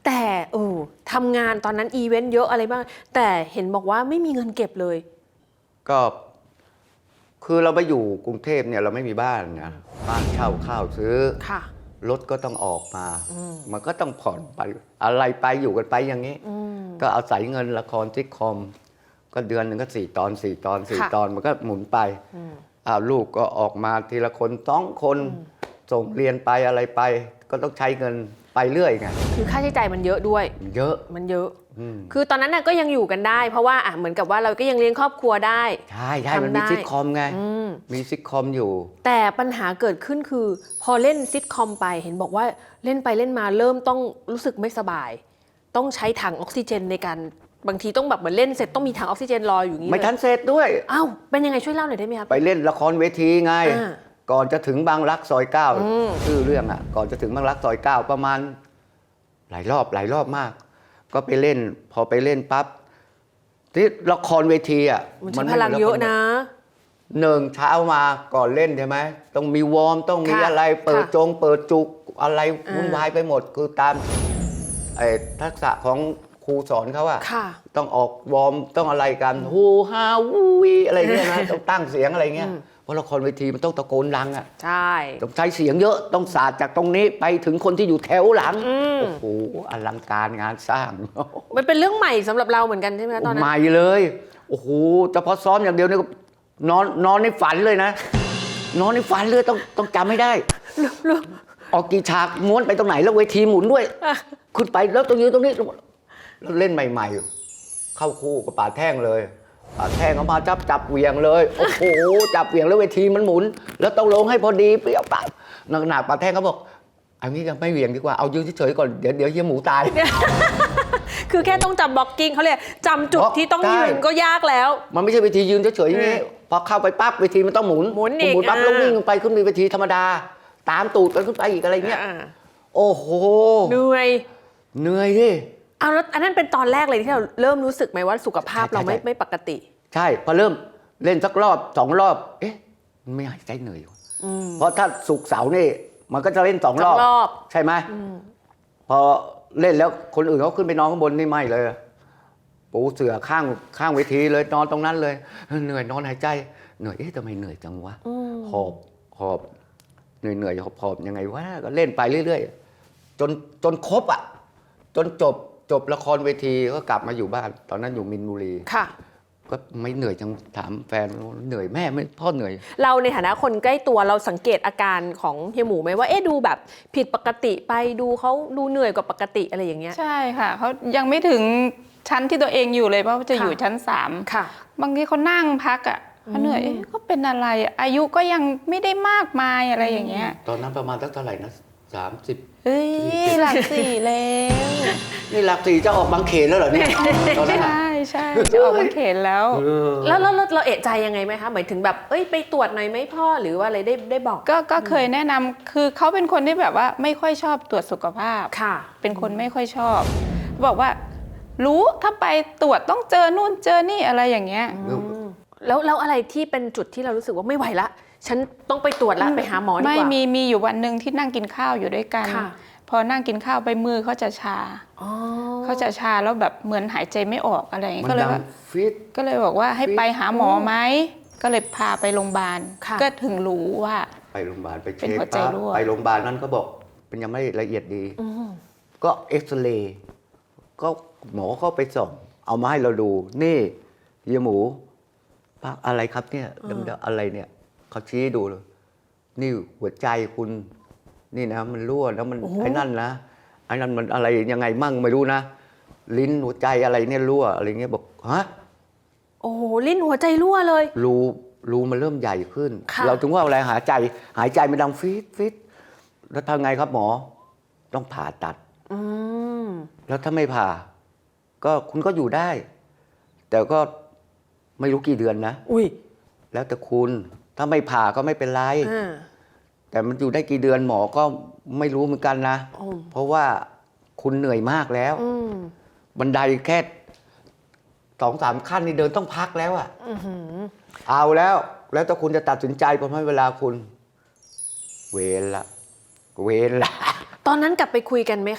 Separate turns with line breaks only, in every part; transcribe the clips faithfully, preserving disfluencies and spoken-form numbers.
แต่เออทำงานตอนนั้นอีเวนต์เยอะอะไรบ้างแต่เห็นบอกว่าไม่มีเงินเก็บเลย
ก็คือเราไปอยู่กรุงเทพเนี่ยเราไม่มีบ้านนะบ้านเช่าข้าวซื้อ
ค่ะ
รถก็ต้องออกมามันก็ต้องผ่อนไปอะไรไปอยู่กันไปอย่างนี้ก็อาศัยเงินละครซิทคอมก็เดือนหนึ่งก็สี่ตอนสี่ตอนสี่ตอนมันก็หมุนไปอ้าวลูกก็ออกมาทีละคนสองคนส่งเรียนไปอะไรไปก็ต้องใช้เงินไปเรื่อยไง
คือค่าใช้จ่ายมันเยอะด้วย
เยอะ
มันเยอะคือตอนนั้นน่ะก็ยังอยู่กันได้เพราะว่าอ่ะเหมือนกับว่าเราก็ยังเลี้ยงครอบครัวได้
ใช่ใช่มันมีซิทคอมไงมีซิทคอมอยู่
แต่ปัญหาเกิดขึ้นคือพอเล่นซิทคอมไปเห็นบอกว่าเล่นไปเล่นมาเริ่มต้องรู้สึกไม่สบายต้องใช้ถังออกซิเจนในการบางทีต้องแบบเหมือนเล่นเสร็จต้องมีถังออกซิเจนรออยู่อย่างนี้
ไม่ทันเสร็จด้วย
อ้าวเป็นยังไงช่วยเล่าหน่อยได้ไหมครับ
ไปเล่นละครเวทีไงก่อนจะถึงบางรักซอยเก้าชื่อเรื่องอ่ะก่อนจะถึงบางรักซอยเก้าประมาณหลายรอบหลายรอบมากก็ไปเล่นพอไปเล่นปั๊บที่ละครเวทีอ่ะ
มันพลังเยอะนะ
หนึ่งเช้ามาก่อนเล่นใช่ไหมต้องมีวอร์มต้องมีอะไรเปิดจงเปิดจุกอะไรวุ่นวายไปหมดคือตามไอ้ทักษะของครูสอนเขาอะต้องออกวอร์มต้องอะไรกันฮูฮาวูวีอะไรเงี้ยนะต้องตั้งเสียงอะไรเงี้ยเพราะละครเวทีมันต้องตะโกนดังอะ
ใช่
ต้องใช้เสียงเยอะต้องสาดจากตรงนี้ไปถึงคนที่อยู่แถวหลังโอ้โหอลังการงานสร้าง
มันเป็นเรื่องใหม่สำหรับเราเหมือนกันใช่ไหมตอนนั้น
ใหม่เลยโอ้โหแต่พอซ้อมอย่างเดียวเนี่ยนอนนอนในฝันเลยนะนอนในฝันเลยต้องต้องจำไม่ได้ออกกี่ฉากม้วนไปตรงไหนแล้วเวทีหมุนด้วยขึ้นไปแล้วตรงนี้ตรงนี้แล้วเล่นใหม่ๆเข้าคู่กับป่าแท่งเลยป่าแท่งเขามาจับจับเหวี่ยงเลยโอ้โหจับเหวี่ยงแล้วเวทีมันหมุนแล้วต้องลงให้พอดีเปรี้ยวปั๊บหนักๆป่าแท่งเขาบอกอันนี้ยังไม่เหวี่ยงดีกว่าเอายืนเฉยๆก่อนเดี๋ยวเดี๋ยวเฮียหมูตาย
คือแค่ต้องจำบล็อกกิ้งเขาเลยจำจุดที่ต้องยืนก็ยากแล้ว
มันไม่ใช่เวทียืนเฉยๆอย่างนี้พอเข้าไปปั๊บเวทีมันต้องหมุน
หมุนอีก
หมุนปั๊บแล้ววิ่งไปขึ้นมีเวทีธรรมดาตามตูดกันขึ้นไปอีกอะไรเงี้ยโอ้โห
เหนื่อย
เหนื่อยดิ
เอาแล้วอันนั้นเป็นตอนแรกเลยที่เราเริ่มรู้สึกไหมว่าสุขภาพเราไม่ไม่ปกติ
ใช่พอเริ่มเล่นสักรอบสองรอบเอ๊ะมันไม่หายใจเหนื่อยเพราะถ้าสุกเสาร์นี่มันก็จะเล่นสองรอบใช่ไหมพอเล่นแล้วคนอื่นเขาขึ้นไปนอนข้างบนนี่ไม่เลยปูเสือข้างข้างเวทีเลยนอนตรงนั้นเลยเหนื่อยนอนหายใจเหนื่อยเอ๊ะทำไมเหนื่อยจังวะหอบหอบเหนื่อยเหนื่อยหอบหอบยังไงวะก็เล่นไปเรื่อยๆจนจนครบอ่ะจนจบจบละครเวทีก็กลับมาอยู่บ้านตอนนั้นอยู่มินบุรี
ค่ะ
ก็ไม่เหนื่อยจังถามแฟนเหนื่อยแม่ไม่พ่อเหนื่อย
เราในฐานะคนใกล้ตัวเราสังเกตอาการของเฮียหมูไหมว่าเอ๊ะดูแบบผิดปกติไปดูเขาดูเหนื่อยกว่าปกติอะไรอย่างเงี้ย
ใช่ค่ะเขายังไม่ถึงชั้นที่ตัวเองอยู่เลยเพราะจะอยู่ชั้นสาม
ค่ะ
บางทีเขานั่งพักอ่ะเขาเหนื่อยเขาเป็นอะไรอายุก็ยังไม่ได้มากมายอะไรอย่างเงี้ย
ตอนนั้นประมาณเท่าไหร่นะสามสิบ
เฮ้ยหลักสี่แล้ว
นี่หลักสี่จะออกบางเขนแล้วเหรอเนี่ยตอนนั้น
ใช่ใช่จะออกบางเขนแล้ว
แล้วเราเราเอะใจยังไงไหมคะหมายถึงแบบเอ้ยไปตรวจหน่อยไหมพ่อหรือว่าอะไรได้ได้บอก
ก็ก็เคยแนะนำคือเขาเป็นคนที่แบบว่าไม่ค่อยชอบตรวจสุขภาพ
ค่ะ
เป็นคนไม่ค่อยชอบบอกว่ารู้ถ้าไปตรวจต้องเจอนู่นเจอนี่อะไรอย่างเงี้ย
แล้วแล้วอะไรที่เป็นจุดที่เรารู้สึกว่าไม่ไหวละฉันต้องไปตรวจละไปหาหมอดีกว่า
ไม่มีมีอยู่วันหนึ่งที่นั่งกินข้าวอยู่ด้วยกันพอนั่งกินข้าวไปมือเขาจะชาเขาจะชาแล้วแบบเหมือนหายใจไม่ออกอะไรอย่างเงี้ยก็เลยว่าก็เลยบอกว่าให้ไปหาหมอไหมก็เลยพาไปโรงพยาบาลก็ถึงรู้ว่า
ไปโรงพยาบาลไปเช็คไปโรงพยาบาลนั้นก็บอกเป็นยังไม่ละเอียดดีก็เอ็กซเรย์ก็หมอเข้าไปส่องเอามาให้เราดูนี่เฮียหมูพักอะไรครับเนี่ยดำๆอะไรเนี่ยเขาชี้ดูเลยนี่หัวใจคุณนี่นะมันรั่วแล้วมันไอ้นั่นนะไอ้นั่นมันอะไรยังไงมั่งไม่รู้นะลิ้นหัวใจอะไรเนี่ยรั่วอะไรเงี้ยบอกฮะ
โอ้ลิ้นหัวใจรั่วเลย
รูรูมันเริ่มใหญ่ขึ้นเราถึงว่าอะไรหายใจหายใจมันดังฟิตฟิตแล้วทำไงครับหมอต้องผ่าตัดแล้วถ้าไม่ผ่าก็คุณก็อยู่ได้ แต่ก็ไม่รู้กี่เดือนนะ
อุ้ย
แล้วแต่คุณถ้าไม่ผ่าก็ไม่เป็นไรแต่มันอยู่ได้กี่เดือนหมอก็ไม่รู้เหมือนกันนะเพราะว่าคุณเหนื่อยมากแล้วบันไดแค่สองสามขั้นนี่เดินต้องพักแล้วอ่ะเอาแล้วแล้วถ้าคุณจะตัดสินใจผมให้เวลาคุณเวรละเวรละ
ตอนนั้นกลับไปคุยกันไหมคะ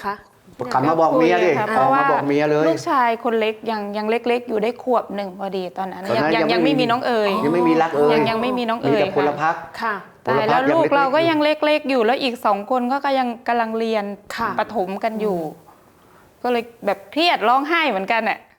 กลับมาบอกเมียดิ
ค่ะ
อ
เพ
อก
ราะ
มา
ว่า
บอกเมียเลย
ลูกชายคนเล็กยังยังเล็ก ๆ อยู่ได้ขวบหนึ่งพอดีตอนนั้น
ตอนนั้น
ยัง
ยัง
ยัง
ไม่
ไม่
มี
มีน้องเอ๋ย
ยังไม่มีรักเอ่ย
ยังยังไม่มีน้อง
มี
เอ๋ย
แต่พล
ค่ะ
พัก
ค่ะ
ตายแล้ว
พลพักยัง
ลูกเราก็
เล็กๆ
ยังเล็ก ๆ อยู่แล้วอีกสองคนก็ก็ยังกำลังเรียน
ค่ะ
ประถมกันอยู่ ก็เลยแบบเครียดร้องไห้เหมือนกันอ่ะ